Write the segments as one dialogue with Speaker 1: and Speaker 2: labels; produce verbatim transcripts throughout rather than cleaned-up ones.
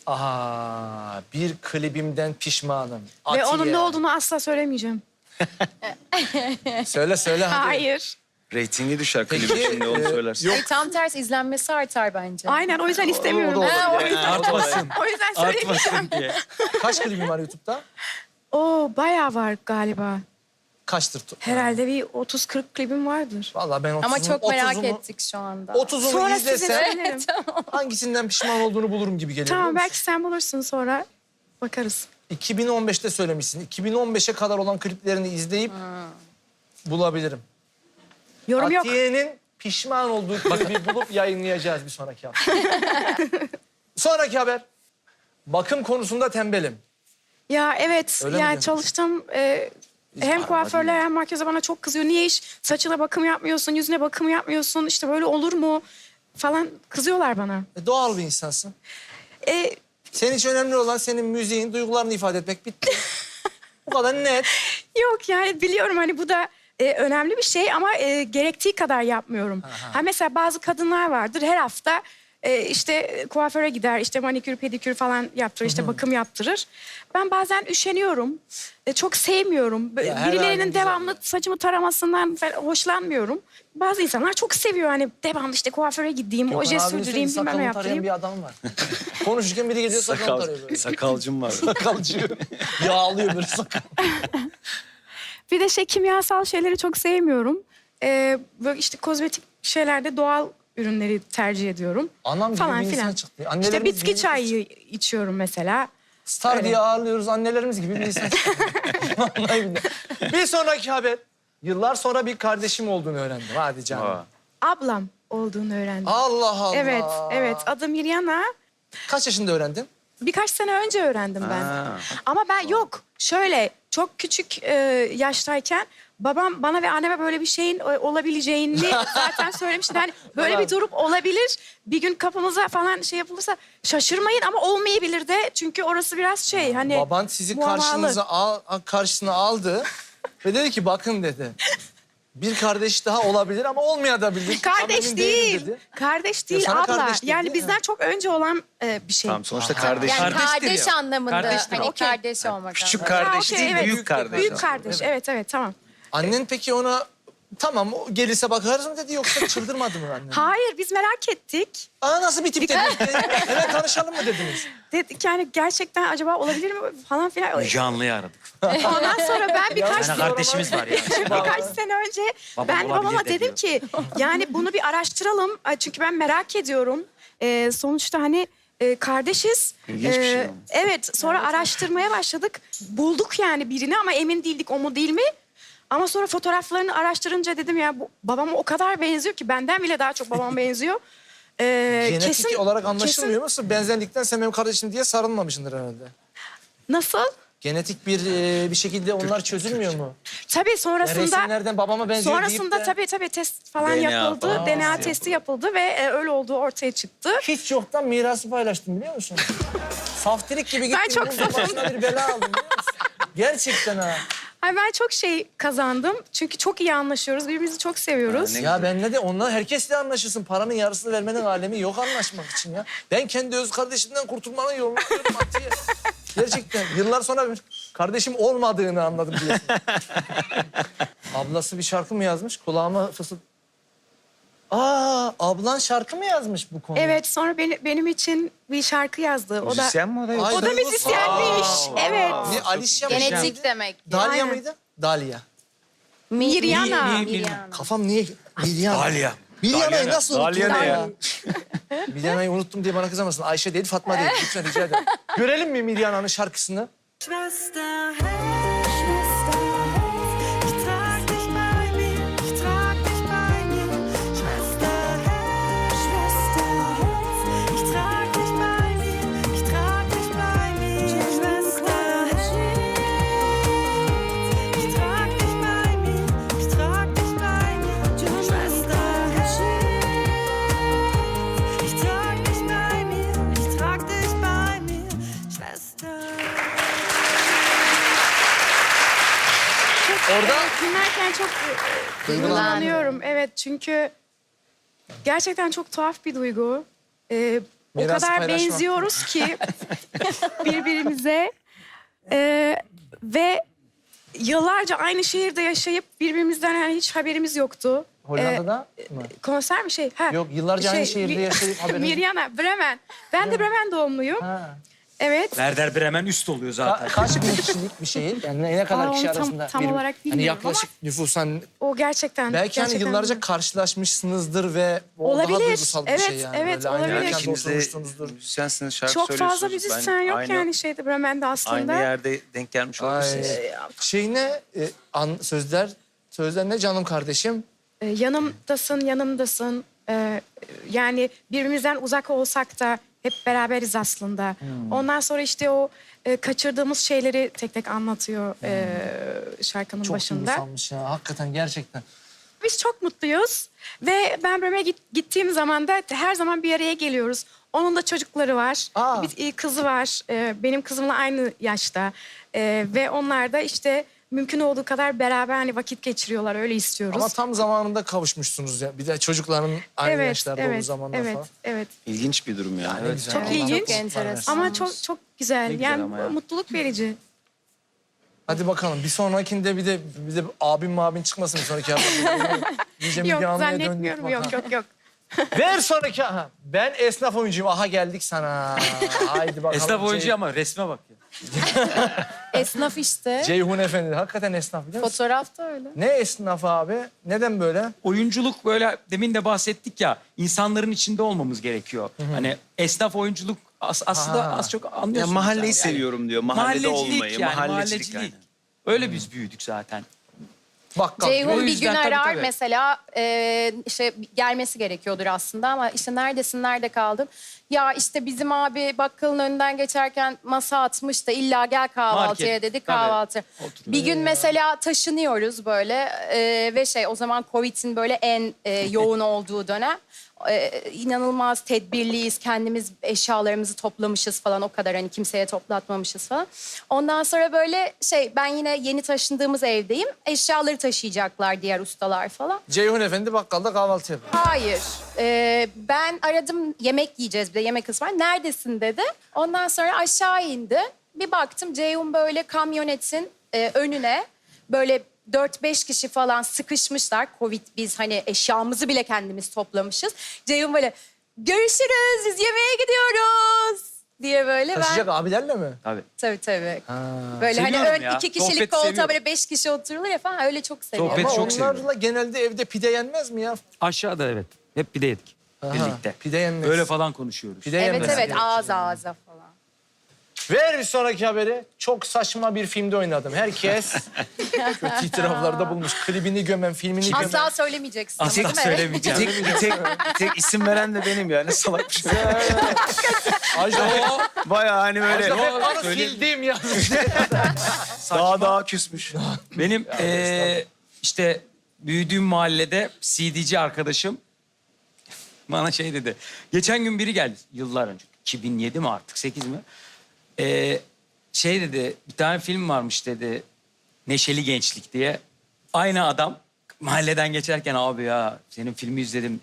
Speaker 1: Aha, bir klibimden pişmanım.
Speaker 2: Ve
Speaker 1: Atiye.
Speaker 2: onun ne olduğunu asla söylemeyeceğim.
Speaker 1: Söyle söyle hadi.
Speaker 2: Hayır.
Speaker 3: Reytingi düşer
Speaker 1: Peki,
Speaker 3: klibin şimdi onu
Speaker 1: e,
Speaker 3: söylersin.
Speaker 1: yok.
Speaker 4: Ay, tam tersi izlenmesi artar bence.
Speaker 2: Aynen o yüzden istemiyorum.
Speaker 1: O da
Speaker 2: Ha, o
Speaker 1: olabilir.
Speaker 2: yüzden,
Speaker 1: Artmasın.
Speaker 2: o yüzden söylemeyeceğim.
Speaker 3: Artmasın diye.
Speaker 1: Kaç klibim var YouTube'da?
Speaker 2: Oo bayağı var galiba.
Speaker 1: Kaçtır?
Speaker 2: Herhalde bir otuz kırk klibim vardır.
Speaker 1: Vallahi ben otuzunu,
Speaker 4: Ama çok merak
Speaker 1: otuzunu,
Speaker 4: ettik şu anda.
Speaker 1: otuzunu
Speaker 2: Sonra size
Speaker 1: izlesem
Speaker 2: söylerim.
Speaker 1: hangisinden pişman olduğunu bulurum gibi geliyor.
Speaker 2: Tamam
Speaker 1: biliyor
Speaker 2: belki
Speaker 1: musun?
Speaker 2: sen bulursun sonra bakarız.
Speaker 1: iki bin on beşte söylemişsin. iki bin on beşe kadar olan kliplerini izleyip bulabilirim.
Speaker 2: Yorum yok.
Speaker 1: Atiye'nin pişman olduğu klibi bulup yayınlayacağız bir sonraki hafta. Sonraki haber. Bakım konusunda tembelim.
Speaker 2: Ya evet
Speaker 1: Öyle mi
Speaker 2: yani
Speaker 1: diyorsun?
Speaker 2: çalıştım. e, hem kuaförler hem makyöze bana çok kızıyor. Niye hiç saçına bakım yapmıyorsun, yüzüne bakım yapmıyorsun? İşte böyle olur mu? Falan kızıyorlar bana.
Speaker 1: E, doğal bir insansın.
Speaker 2: E,
Speaker 1: Senin için önemli olan senin müziğin, duygularını ifade etmek. Bitti. Bu kadar net.
Speaker 2: Yok yani biliyorum hani bu da e, önemli bir şey ama e, gerektiği kadar yapmıyorum.
Speaker 1: Aha.
Speaker 2: Ha mesela bazı kadınlar vardır her hafta e, işte kuaföre gider, işte manikür, pedikür falan yaptırır, işte bakım yaptırır. Ben bazen üşeniyorum. E, çok sevmiyorum. Bö-
Speaker 1: Ya her halin
Speaker 2: Birilerinin
Speaker 1: güzel
Speaker 2: devamlı
Speaker 1: ya.
Speaker 2: saçımı taramasından falan hoşlanmıyorum. Bazı insanlar çok seviyor hani devamlı işte kuaföre gideyim, oje
Speaker 1: Gökhan abinin
Speaker 2: sürdüreyim,
Speaker 1: sürekli
Speaker 2: bilmem ne
Speaker 1: sakalını tarayan
Speaker 2: yaptırayım.
Speaker 1: bir adam var. Konuşurken biri geliyor sakalını
Speaker 3: Sakal,
Speaker 1: tarıyor böyle.
Speaker 3: sakalcım var.
Speaker 1: Sakalcı. Yağlıyor böyle sakal.
Speaker 2: Bir de şey kimyasal şeyleri çok sevmiyorum. Ee, böyle işte kozmetik şeylerde doğal ürünleri tercih ediyorum.
Speaker 1: Anam gibi
Speaker 2: Falan
Speaker 1: bir insan
Speaker 2: filan.
Speaker 1: çıktı.
Speaker 2: İşte
Speaker 1: Annelerimiz
Speaker 2: bitki
Speaker 1: gibi-
Speaker 2: çayı içiyorum mesela.
Speaker 1: Star
Speaker 2: Öyle.
Speaker 1: diye ağırlıyoruz annelerimiz gibi bir insan çıktı. Vallahi billahi. Bir sonraki haber. Yıllar sonra bir kardeşim olduğunu öğrendim. Hadi canım.
Speaker 3: Aa.
Speaker 2: Ablam olduğunu öğrendim.
Speaker 1: Allah Allah.
Speaker 2: Evet, evet. Adı Miryana.
Speaker 1: Kaç yaşında öğrendin?
Speaker 2: Birkaç sene önce öğrendim ben.
Speaker 3: Ha.
Speaker 2: Ama ben yok. Şöyle çok küçük e, yaştayken babam bana ve anneme böyle bir şeyin e, olabileceğini zaten söylemişti. Hani böyle bir durum olabilir. Bir gün kapımıza falan şey yapılırsa şaşırmayın ama olmayabilir de. Çünkü orası biraz şey hani
Speaker 1: Baban sizi
Speaker 2: muammalı.
Speaker 1: karşınıza al, karşısına aldı ve dedi ki bakın dedi. Bir kardeş daha olabilir ama olmayabilir. Ama
Speaker 2: Kardeş
Speaker 1: emin değilim
Speaker 2: değil.
Speaker 1: dedi.
Speaker 2: Kardeş değil
Speaker 1: sana
Speaker 2: abla.
Speaker 1: kardeş dedi,
Speaker 2: yani
Speaker 1: değil
Speaker 2: bizden
Speaker 1: mi?
Speaker 2: çok önce olan e, bir şey.
Speaker 3: Tamam sonuçta
Speaker 1: Aha.
Speaker 3: kardeş.
Speaker 4: Yani
Speaker 5: Kardeştir
Speaker 4: kardeş
Speaker 5: ya.
Speaker 4: anlamında.
Speaker 5: Kardeştir
Speaker 4: Hani
Speaker 5: o.
Speaker 4: kardeş olmak
Speaker 3: Küçük
Speaker 4: anlamında.
Speaker 3: kardeş
Speaker 2: Ha, okey,
Speaker 3: değil,
Speaker 2: evet.
Speaker 3: büyük kardeş.
Speaker 2: Büyük kardeş. Evet evet tamam.
Speaker 1: Annen peki ona tamam o gelirse bakarız mı dedi yoksa çıldırmadı mı annen?
Speaker 2: Hayır biz merak ettik.
Speaker 1: Aa nasıl bir tip dediniz? Hemen tanışalım mı dediniz?
Speaker 2: Dedik yani gerçekten acaba olabilir mi falan filan.
Speaker 3: Müge Anlı'yı aradık.
Speaker 2: Ondan sonra ben birkaç
Speaker 5: Yani kardeşimiz var ya.
Speaker 2: birkaç sene önce
Speaker 5: Babam
Speaker 2: ben de babama
Speaker 5: olabilir de
Speaker 2: dedim ki yani bunu bir araştıralım. Ay, çünkü ben merak ediyorum. Ee, sonuçta hani e, kardeşiz.
Speaker 3: İlginç bir şey
Speaker 2: Ee,
Speaker 3: ama.
Speaker 2: Evet sonra araştırmaya başladık. Bulduk yani birini ama emin değildik o mu değil mi? Ama sonra fotoğraflarını araştırınca dedim ya bu babama o kadar benziyor ki benden bile daha çok babama benziyor. Ee,
Speaker 1: Genetik
Speaker 2: kesin-
Speaker 1: olarak anlaşılmıyor
Speaker 2: kesin-
Speaker 1: musun? Benzerlikten sen benim kardeşim diye sarılmamışsındır herhalde.
Speaker 2: Nasıl?
Speaker 1: Genetik bir e, bir şekilde onlar çözülmüyor mu?
Speaker 2: Tabii
Speaker 1: Ya
Speaker 2: sonrasında
Speaker 1: resimlerden babama benziyor
Speaker 2: sonrasında
Speaker 1: deyip de
Speaker 2: tabii tabii test falan
Speaker 3: D N A
Speaker 2: yapıldı.
Speaker 3: falan
Speaker 2: D N A
Speaker 3: yapıldı.
Speaker 2: testi yapıldı ve e, öyle olduğu ortaya çıktı.
Speaker 1: hiç yoktan mirası paylaştım biliyor musun? Saftirik gibi gittim.
Speaker 2: Ben çok
Speaker 1: bunun başına bir bela aldım biliyor musun? Gerçekten ha.
Speaker 2: Ay ben çok şey kazandım. Çünkü çok iyi anlaşıyoruz. Birbirimizi çok seviyoruz.
Speaker 3: Ha, ne-
Speaker 1: Ya benle de onlar herkesle anlaşırsın. Paranın yarısını vermenin alemi yok anlaşmak için ya. Ben kendi öz kardeşimden kurtulmanın yolunu arıyorum Atiye. Gerçekten yıllar sonra bir kardeşim olmadığını anladım diyorsun. Ablası bir şarkı mı yazmış? Kulağıma fısıld... Aa, ablan şarkı mı yazmış bu konuda?
Speaker 2: Evet sonra beni, benim için bir şarkı yazdı. O da
Speaker 3: Müzisyen mi o da
Speaker 1: Ay,
Speaker 3: yoksa?
Speaker 2: o da
Speaker 1: Duygu-
Speaker 2: müzisyenmiş.
Speaker 1: Aa,
Speaker 2: Evet.
Speaker 1: Ne Alicia mı?
Speaker 4: Genetik demek.
Speaker 1: Dalia
Speaker 2: Aynen.
Speaker 1: mıydı? Dalia.
Speaker 2: Miryana.
Speaker 5: Mi- mi-
Speaker 4: Miryana.
Speaker 1: Kafam niye... Miryana.
Speaker 3: Dalia.
Speaker 1: Miryana'yı nasıl unuttun?
Speaker 3: Dalia ne ya?
Speaker 1: Miryana'yı unuttum diye bana kızamasın. Ayşe değil, Fatma değil. Lütfen rica ederim. Görelim mi Miryana'nın şarkısını?
Speaker 6: Schwester, hey, Schwester, hey, ich trag dich bei mir, ich trag dich bei mir. Schwester, hey, Schwester, hey, ich trag dich bei mir, ich trag dich bei mir. Schwester, hey, ich trag dich bei mir, ich trag dich bei mir. Schwester, hey, ich trag dich bei mir, ich trag dich bei mir. Schwester.
Speaker 1: Orada
Speaker 2: Evet, dinlerken çok e,
Speaker 1: Duygulandım.
Speaker 2: duygulanıyorum. Evet çünkü gerçekten çok tuhaf bir duygu. Ee, o
Speaker 1: Mirası
Speaker 2: kadar
Speaker 1: paylaşmak.
Speaker 2: benziyoruz ki birbirimize. Ee, ve yıllarca aynı şehirde yaşayıp birbirimizden yani hiç haberimiz yoktu.
Speaker 1: Hollanda'da
Speaker 2: Ee,
Speaker 1: mı?
Speaker 2: Konser mi şey? Ha.
Speaker 1: Yok, yıllarca aynı
Speaker 2: Şey,
Speaker 1: şehirde
Speaker 2: Mi-
Speaker 1: yaşayıp haberiniz...
Speaker 2: Mirjana, Bremen. Ben de Bremen doğumluyum.
Speaker 1: Ha.
Speaker 2: Evet.
Speaker 3: Werder Bremen üst oluyor
Speaker 1: Ka-
Speaker 3: zaten.
Speaker 1: kaç bin kişilik bir şehir? Yani ne kadar
Speaker 2: Aa,
Speaker 1: kişi
Speaker 2: onu tam-
Speaker 1: arasında?
Speaker 2: tam
Speaker 1: bir-
Speaker 2: olarak
Speaker 1: Hani
Speaker 2: bilmiyorum
Speaker 1: yaklaşık nüfusan
Speaker 2: O gerçekten.
Speaker 1: belki hani
Speaker 2: gerçekten
Speaker 1: yıllarca
Speaker 2: bilmiyorum.
Speaker 1: karşılaşmışsınızdır ve o daha
Speaker 2: Olabilir.
Speaker 1: duygusal bir
Speaker 2: Evet,
Speaker 1: şey yani.
Speaker 2: evet,
Speaker 1: Böyle aynı
Speaker 2: olabilir.
Speaker 1: mekanda
Speaker 5: İkiniz de
Speaker 1: oturmuşsunuzdur.
Speaker 5: müzisyensiniz, şarkı
Speaker 2: Çok fazla
Speaker 5: söylüyorsunuz.
Speaker 2: müzisyen
Speaker 5: Ben
Speaker 2: yok
Speaker 5: aynı,
Speaker 2: yani şeyde Bremen'de aslında.
Speaker 5: Aynı yerde denk gelmiş
Speaker 1: Ay.
Speaker 5: olabilirsiniz.
Speaker 1: Şey ne? E, an, sözler, sözler ne canım kardeşim?
Speaker 2: Ee, yanımdasın, yanımdasın. Ee, yani birbirimizden uzak olsak da hep beraberiz aslında.
Speaker 1: Hmm.
Speaker 2: Ondan sonra işte o e, kaçırdığımız şeyleri tek tek anlatıyor e, şarkının
Speaker 1: Çok
Speaker 2: başında.
Speaker 1: duygusalmış ya. Hakikaten gerçekten.
Speaker 2: Biz çok mutluyuz ve ben Bremen'e git, gittiğim zaman da her zaman bir araya geliyoruz. Onun da çocukları var,
Speaker 1: Aa.
Speaker 2: bir e, kızı var. E, benim kızımla aynı yaşta E, ve onlar da işte mümkün olduğu kadar beraber hani vakit geçiriyorlar, öyle istiyoruz.
Speaker 1: Ama tam zamanında kavuşmuşsunuz ya. Bir de çocukların aynı
Speaker 2: evet,
Speaker 1: yaşlarda
Speaker 2: evet,
Speaker 1: olduğu zamanda
Speaker 2: evet,
Speaker 1: falan.
Speaker 2: evet.
Speaker 5: İlginç bir durum yani.
Speaker 1: Ne
Speaker 5: Evet.
Speaker 1: güzel.
Speaker 2: Çok
Speaker 1: Allah
Speaker 2: ilginç.
Speaker 1: mutluluklar
Speaker 4: Enteresan.
Speaker 1: versin.
Speaker 2: Ama çok çok güzel.
Speaker 3: Ne güzel
Speaker 2: yani
Speaker 3: ama ya.
Speaker 2: mutluluk verici.
Speaker 1: Hadi bakalım bir sonrakinde bir de bir de abim mabin çıkmasın bir sonraki hafta. İyice
Speaker 2: Yok
Speaker 1: Müge Anlı'ya döndük
Speaker 2: zannetmiyorum.
Speaker 1: bakalım.
Speaker 2: Yok yok yok.
Speaker 1: Ver sonraki. Aha, ben esnaf oyuncuyum. Aha geldik sana. Haydi bakalım.
Speaker 3: Esnaf oyuncu
Speaker 1: Cey-
Speaker 3: ama resme bak ya.
Speaker 4: Esnaf işte.
Speaker 1: Ceyhun Efendi. Hakikaten esnaf biliyor musun?
Speaker 4: Fotoğraf da öyle.
Speaker 1: Ne esnaf abi? Neden böyle?
Speaker 3: Oyunculuk böyle demin de bahsettik ya, insanların içinde olmamız gerekiyor. Hani esnaf oyunculuk as- aslında
Speaker 1: Ha.
Speaker 3: az çok
Speaker 5: Ya
Speaker 3: anlıyorsunuz.
Speaker 5: mahalleyi
Speaker 3: yani.
Speaker 5: seviyorum diyor. Mahallede
Speaker 3: Mahallecilik
Speaker 5: olmayı,
Speaker 3: yani,
Speaker 5: mahallecilik.
Speaker 3: mahallecilik.
Speaker 5: Yani.
Speaker 3: Öyle biz büyüdük zaten.
Speaker 1: Bakkal.
Speaker 3: O
Speaker 4: Ceyhun bir gün
Speaker 3: yüzden tabii,
Speaker 4: arar
Speaker 3: tabii.
Speaker 4: mesela e, işte gelmesi gerekiyordur aslında ama işte neredesin, nerede kaldın? Ya işte bizim abi bakkalın önünden geçerken masa atmış da illa gel kahvaltıya
Speaker 3: Market,
Speaker 4: dedi
Speaker 3: tabii.
Speaker 4: kahvaltı.
Speaker 3: Oturuyor.
Speaker 4: Bir gün mesela taşınıyoruz böyle e, ve şey o zaman Covid'in böyle en e, yoğun olduğu dönem. E, inanılmaz tedbirliyiz, kendimiz eşyalarımızı toplamışız falan, o kadar hani kimseye toplatmamışız falan. Ondan sonra böyle şey ben yine yeni taşındığımız evdeyim, eşyaları taşıyacaklar diğer ustalar falan.
Speaker 1: Ceyhun Efendi bakkalda kahvaltı yapıyor.
Speaker 4: Hayır. Ee, ben aradım, yemek yiyeceğiz bir de, yemek ısmar. Neredesin dedi. Ondan sonra aşağı indi. Bir baktım Ceyhun böyle kamyonetin e, önüne böyle dört beş kişi falan sıkışmışlar. Covid, biz hani eşyamızı bile kendimiz toplamışız. Ceyhun böyle görüşürüz, biz yemeğe gidiyoruz diye böyle
Speaker 1: Taşıyacak
Speaker 4: ben...
Speaker 1: abilerle mi?
Speaker 3: Tabii.
Speaker 4: Tabii tabii.
Speaker 1: Ha.
Speaker 4: Böyle hani
Speaker 3: Seviyorum
Speaker 4: ön
Speaker 3: ya.
Speaker 4: iki kişilik
Speaker 3: Sohbeti
Speaker 4: koltuğa
Speaker 3: seviyorum.
Speaker 4: böyle beş kişi oturulur ya falan, öyle çok seviyorum.
Speaker 3: Sohbet
Speaker 1: Ama
Speaker 3: çok
Speaker 1: onlarla
Speaker 3: seviyorum.
Speaker 1: genelde evde pide yenmez mi ya?
Speaker 3: Aşağıda evet. Hep pide yedik.
Speaker 1: Aha,
Speaker 3: Birlikte.
Speaker 1: Pide yenmez.
Speaker 3: Öyle falan konuşuyoruz.
Speaker 1: Pide
Speaker 4: Evet
Speaker 1: yenmez.
Speaker 4: evet, ağız ağza falan.
Speaker 1: Ver bir sonraki haberi. Çok saçma bir filmde oynadım. Herkes kötü itiraflarda bulmuş. Klibini gömen, filmini gömen.
Speaker 4: Asla söylemeyeceksin.
Speaker 3: Asla
Speaker 4: değil mi?
Speaker 5: Bir
Speaker 3: söylemeyeceğim.
Speaker 5: tek, bir tek, bir tek isim veren de benim ya. Ne salak bir şey.
Speaker 1: Ajda
Speaker 5: Bayağı hani böyle
Speaker 1: Pekkan'ı
Speaker 3: söyleyeyim.
Speaker 1: sildim ya.
Speaker 5: daha daha küsmüş.
Speaker 3: Benim eee, işte büyüdüğüm mahallede C D'ci arkadaşım bana şey dedi. Geçen gün biri geldi yıllar önce. iki bin yedi mi artık, sekiz mi? Eee, şey dedi, bir tane film varmış dedi. Neşeli Gençlik diye. Aynı adam mahalleden geçerken abi ya senin filmi izledim.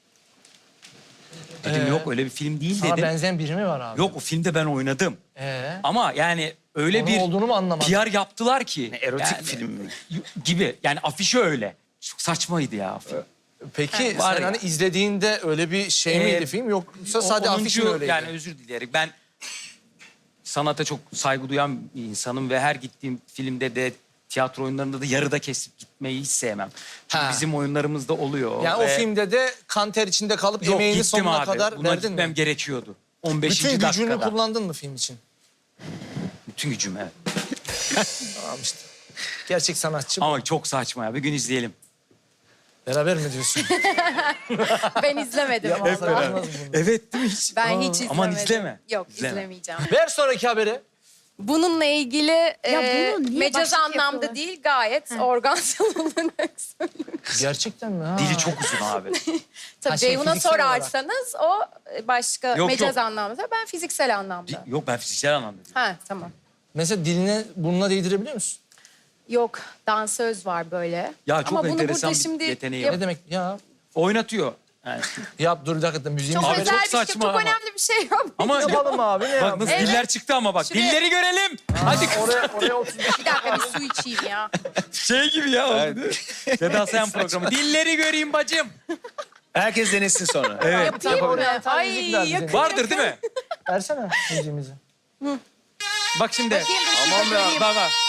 Speaker 3: Dedim
Speaker 1: Ee?
Speaker 3: yok öyle bir film değil
Speaker 1: Sana
Speaker 3: dedim.
Speaker 1: benzeyen biri mi var abi?
Speaker 3: Yok o filmde ben oynadım.
Speaker 1: Ee?
Speaker 3: Ama yani öyle
Speaker 1: Onun
Speaker 3: bir
Speaker 1: olduğunu mu anlamadım?
Speaker 3: P R yaptılar ki.
Speaker 5: Erotik
Speaker 3: yani,
Speaker 5: film mi?
Speaker 3: gibi. Yani afişi öyle. Çok saçmaydı ya film.
Speaker 1: Peki
Speaker 3: Var
Speaker 1: sen
Speaker 3: ya.
Speaker 1: hani izlediğinde öyle bir şey
Speaker 3: Ee,
Speaker 1: miydi film yoksa sadece
Speaker 3: O
Speaker 1: afiş mi
Speaker 3: onuncu
Speaker 1: öyleydi?
Speaker 3: Yani özür dileyerek ben sanata çok saygı duyan bir insanım ve her gittiğim filmde de tiyatro oyunlarında da yarıda kesip gitmeyi hiç sevmem. Çünkü
Speaker 1: Ha.
Speaker 3: bizim oyunlarımızda oluyor.
Speaker 1: Yani
Speaker 3: ve-
Speaker 1: o filmde de kanter içinde kalıp
Speaker 3: Yok,
Speaker 1: emeğini
Speaker 3: gittim
Speaker 1: sonuna
Speaker 3: abi.
Speaker 1: kadar
Speaker 3: Buna
Speaker 1: verdin
Speaker 3: gitmem
Speaker 1: mi?
Speaker 3: gerekiyordu. on beşinci
Speaker 1: Bütün gücünü
Speaker 3: dakikada.
Speaker 1: kullandın mı film için?
Speaker 3: Bütün gücüm evet.
Speaker 1: Tamam işte. Gerçek sanatçı.
Speaker 3: Ama çok saçma ya. Bir gün izleyelim.
Speaker 1: Beraber mi diyorsun?
Speaker 4: Ben izlemedim.
Speaker 1: Hep
Speaker 4: vallahi.
Speaker 1: beraber.
Speaker 3: Evet değil mi hiç?
Speaker 4: Ben hiç izlemedim.
Speaker 3: Aman izleme.
Speaker 4: Yok,
Speaker 3: İzleme.
Speaker 4: izlemeyeceğim.
Speaker 1: Ver sonraki haberi.
Speaker 4: Bununla ilgili e,
Speaker 2: bunu niye
Speaker 4: mecaz
Speaker 2: başlık
Speaker 4: anlamda
Speaker 2: yapıyorlar?
Speaker 4: değil, gayet organsal olarak söylüyorum.
Speaker 1: Gerçekten mi? Ha.
Speaker 3: Dili çok uzun abi.
Speaker 4: Tabii
Speaker 1: Ha, şey,
Speaker 4: Ceyhun'a
Speaker 1: fiziksel olarak.
Speaker 4: sorarsanız o başka
Speaker 3: Yok,
Speaker 4: mecaz
Speaker 3: yok.
Speaker 4: anlamda. Ben fiziksel anlamda.
Speaker 3: Yok ben fiziksel anlamda diyorum.
Speaker 4: Ha tamam.
Speaker 1: Mesela diline burnuna değdirebiliyor musun?
Speaker 4: Yok, dansöz var böyle.
Speaker 3: Ya çok
Speaker 4: Ama bunu
Speaker 3: enteresan
Speaker 4: burada
Speaker 3: bir
Speaker 4: şimdi
Speaker 3: yeteneği
Speaker 4: yap-
Speaker 3: var.
Speaker 1: Ne demek ya?
Speaker 3: Oynatıyor. Yani.
Speaker 1: Yap dur bir dakika müziğimiz
Speaker 4: Çok
Speaker 1: var.
Speaker 4: özel
Speaker 3: çok
Speaker 4: bir şey,
Speaker 3: saçma
Speaker 4: çok
Speaker 3: ama.
Speaker 4: önemli bir şey yok.
Speaker 3: Ama
Speaker 1: Yapalım abi ne
Speaker 3: bak
Speaker 1: yapalım?
Speaker 3: nasıl
Speaker 4: Evet.
Speaker 3: diller çıktı ama bak.
Speaker 4: Şuraya-
Speaker 3: Dilleri görelim. Hadi kız.
Speaker 1: Oraya, oraya otuz
Speaker 4: Bir dakika bir su içeyim ya.
Speaker 3: Şey gibi ya oldu. Seda Sayan programı. Dilleri göreyim bacım.
Speaker 5: Herkes denesin sonra.
Speaker 3: Evet.
Speaker 4: Yapayım mı?
Speaker 1: Oraya tam
Speaker 4: Ay
Speaker 1: müzik ver bize.
Speaker 4: yakın
Speaker 3: Vardır
Speaker 4: yakın.
Speaker 3: değil mi?
Speaker 1: Versene müziğimizi.
Speaker 3: Bak şimdi.
Speaker 4: Bakayım dur şurada
Speaker 3: Aman be.
Speaker 4: göreyim.
Speaker 3: Bak bak.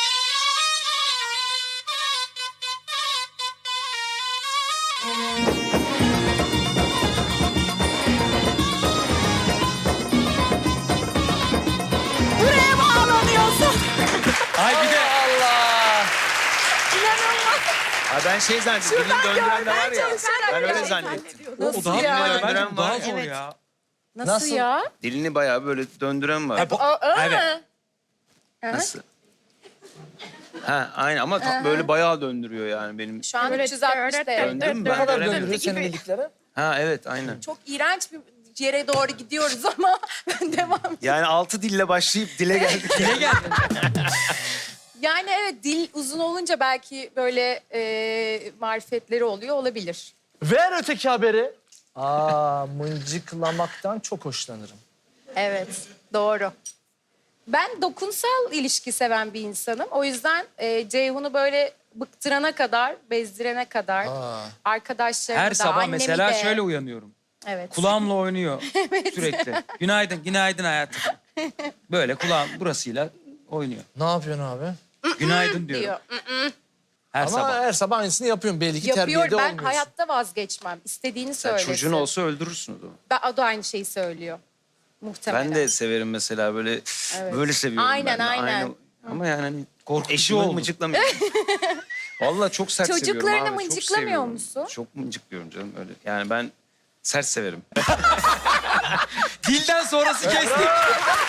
Speaker 4: Buraya bağlanıyorsun.
Speaker 3: Ay bir de.
Speaker 1: Allah!
Speaker 4: İnanılmaz.
Speaker 5: Ha ben şey zannettim. Dilini döndüren de var ya. Ben öyle zannettim.
Speaker 3: O daha
Speaker 4: ya?
Speaker 3: kolay. Bence
Speaker 5: Döndüren
Speaker 3: daha
Speaker 5: var.
Speaker 3: zor
Speaker 4: Evet.
Speaker 3: ya.
Speaker 4: Nasıl,
Speaker 1: Nasıl?
Speaker 4: ya?
Speaker 5: Dilini bayağı böyle döndüren var.
Speaker 3: bu-
Speaker 4: Aa, aa.
Speaker 3: Evet.
Speaker 5: Nasıl? Ha aynı ama ta- böyle bayağı döndürüyor yani benim.
Speaker 4: Şu an
Speaker 2: Böyle
Speaker 4: üç yüz altmış derece.
Speaker 5: Döndüm mü
Speaker 1: Ne
Speaker 5: ben?
Speaker 1: kadar
Speaker 5: Göremedim.
Speaker 1: döndürüyor senin bildikleri?
Speaker 5: Ha evet aynen.
Speaker 4: Çok iğrenç bir yere doğru gidiyoruz ama ben devam.
Speaker 5: Yani altı dille başlayıp dile geldik.
Speaker 3: Dile gel.
Speaker 4: Yani evet dil uzun olunca belki böyle e, marifetleri oluyor olabilir.
Speaker 1: Ver öteki haberi. Aa, mıncıklamaktan çok hoşlanırım.
Speaker 4: Evet doğru. Ben dokunsal ilişki seven bir insanım. O yüzden e, Ceyhun'u böyle bıktırana kadar, bezdirene kadar
Speaker 1: Aa.
Speaker 4: arkadaşlarımı
Speaker 3: Her
Speaker 4: da,
Speaker 3: sabah
Speaker 4: annemi
Speaker 3: mesela
Speaker 4: de.
Speaker 3: şöyle uyanıyorum.
Speaker 4: Evet.
Speaker 3: Kulağımla oynuyor sürekli. Günaydın, günaydın hayatım. Böyle kulağım burasıyla oynuyor.
Speaker 1: Ne yapıyorsun abi?
Speaker 3: Günaydın diyorum.
Speaker 4: diyor.
Speaker 3: Her
Speaker 1: Ama
Speaker 3: sabah.
Speaker 1: her sabah aynısını yapıyorum. Belli ki
Speaker 4: Yapıyor.
Speaker 1: terbiyede
Speaker 4: Ben
Speaker 1: olmuyorsun.
Speaker 4: hayatta vazgeçmem. İstediğini
Speaker 5: Yani
Speaker 4: söylesin.
Speaker 5: çocuğun olsa öldürürsün o zaman.
Speaker 4: Ben, o da aynı şeyi söylüyor. Muhtemelen.
Speaker 5: Ben de severim mesela böyle
Speaker 4: Evet.
Speaker 5: böyle seviyorum
Speaker 4: Aynen,
Speaker 5: ben de.
Speaker 4: aynen.
Speaker 5: Aynı- Ama yani hani
Speaker 3: Korkutucu
Speaker 5: eşimi
Speaker 3: oldu.
Speaker 5: mıncıklamıyorum. Vallahi çok sert seviyorum
Speaker 4: Çocuklarını
Speaker 5: abi. çok
Speaker 4: mıncıklamıyor
Speaker 5: seviyorum.
Speaker 4: musun?
Speaker 5: Çok mıncıklıyorum canım öyle. Yani ben sert severim.
Speaker 3: Dilden sonrası kestik.